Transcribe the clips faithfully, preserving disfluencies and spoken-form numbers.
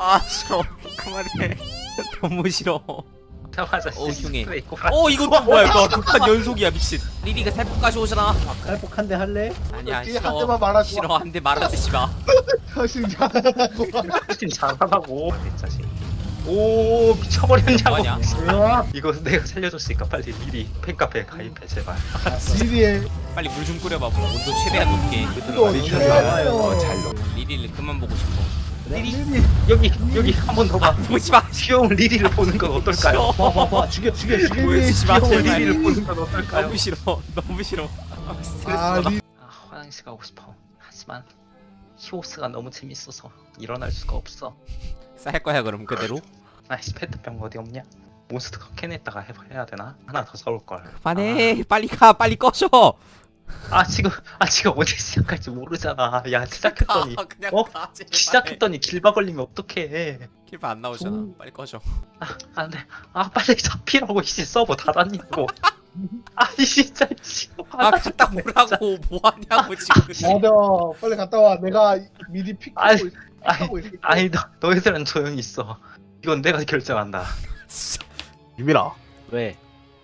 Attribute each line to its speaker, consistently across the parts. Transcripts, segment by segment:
Speaker 1: 아 싫어. 그만해. 너무 싫어.
Speaker 2: 자마자
Speaker 1: 어 흉해.
Speaker 2: 스프레이 꼬
Speaker 1: 어 이거 또 뭐야 이거 극한 연속이야 미친. 리리가 살포까지 오잖아.
Speaker 3: 칼폭 한 대 할래?
Speaker 1: 아니야
Speaker 4: 뒤에 한
Speaker 1: 싫어.
Speaker 4: 대만 말하지 마.
Speaker 1: 싫어 한 대 말아주지 마.
Speaker 4: 당신 잘하고.
Speaker 2: 훨씬 잘하라고 이 자식. 오 미쳐버렸냐고.
Speaker 1: 뭐하냐?
Speaker 4: 으악.
Speaker 2: 이거 내가 살려줬으니까 빨리 미리 팬카페에 가입해 제발.
Speaker 4: 리리의
Speaker 1: 빨리 물 좀 끓여봐. 뭐 온도 최대한 높게.
Speaker 4: 또
Speaker 3: 좋아요.
Speaker 1: 리리를 그만 보고 싶어.
Speaker 4: 리리.
Speaker 2: 여기 여기 한 번 더 봐.
Speaker 1: 보지 마.
Speaker 2: 귀여운 리리를 보는 건 어떨까요?
Speaker 3: 봐, 봐, 봐. 죽여, 죽여, 죽여.
Speaker 1: 보여주지 마.
Speaker 2: 귀여운
Speaker 1: 제발.
Speaker 2: 리리를 보는 건 어떨까요?
Speaker 1: 너무 싫어. 너무 싫어. 아, 스트레스
Speaker 4: 아
Speaker 1: 받아.
Speaker 4: 리.
Speaker 2: 아, 화장실 가고 싶어. 하지만 히오스가 너무 재밌어서 일어날 수가 없어.
Speaker 1: 쌀 거야 그럼 그대로?
Speaker 2: 아이씨 페트병 어디 없냐? 몬스터 캔에다가 해- 해야 되나? 하나 더 사올 걸.
Speaker 1: 그만해. 빨리 가. 빨리 꺼져.
Speaker 2: 아 지금 아 지금 언제 시작할지 모르잖아. 야 시작했더니
Speaker 1: 가, 그냥
Speaker 2: 어?
Speaker 1: 가, 제발.
Speaker 2: 시작했더니 길바 걸리면 어떡해.
Speaker 1: 킬바 안 나오잖아. 빨리 꺼져.
Speaker 2: 아 안돼. 아 빨리 잡히라고 이씨 서버 닫았냐고. 아이 진짜 씨.
Speaker 1: 아 갔다 오라고 뭐 하냐고 지금.
Speaker 4: 맞아. 빨리 갔다 와. 내가 미리
Speaker 2: 아이,
Speaker 4: 픽하고
Speaker 2: 아이,
Speaker 4: 픽하고 있을게.
Speaker 2: 아니 너 너희들은 조용히 있어. 이건 내가 결정한다.
Speaker 4: 유빈아.
Speaker 3: 왜?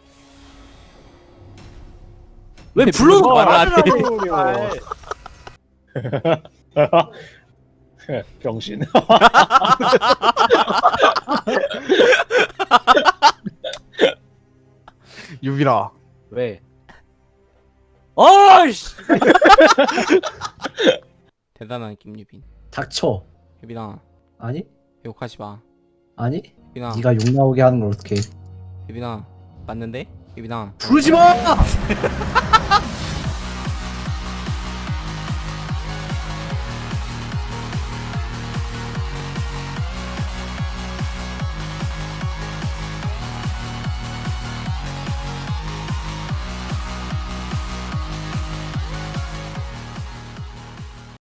Speaker 1: 왜 불러서 말을 안 해?
Speaker 3: 병신.
Speaker 4: 유빈아.
Speaker 3: 왜? 어이씨!
Speaker 1: 대단한 김유빈.
Speaker 3: 닥쳐.
Speaker 1: 유빈아
Speaker 3: 아니?
Speaker 1: 욕하지 마.
Speaker 3: 아니?
Speaker 1: 유빈아.
Speaker 3: 네가 욕 나오게 하는 걸 어떻게?
Speaker 1: 유빈아 맞는데? 유빈아.
Speaker 3: 부르지 마!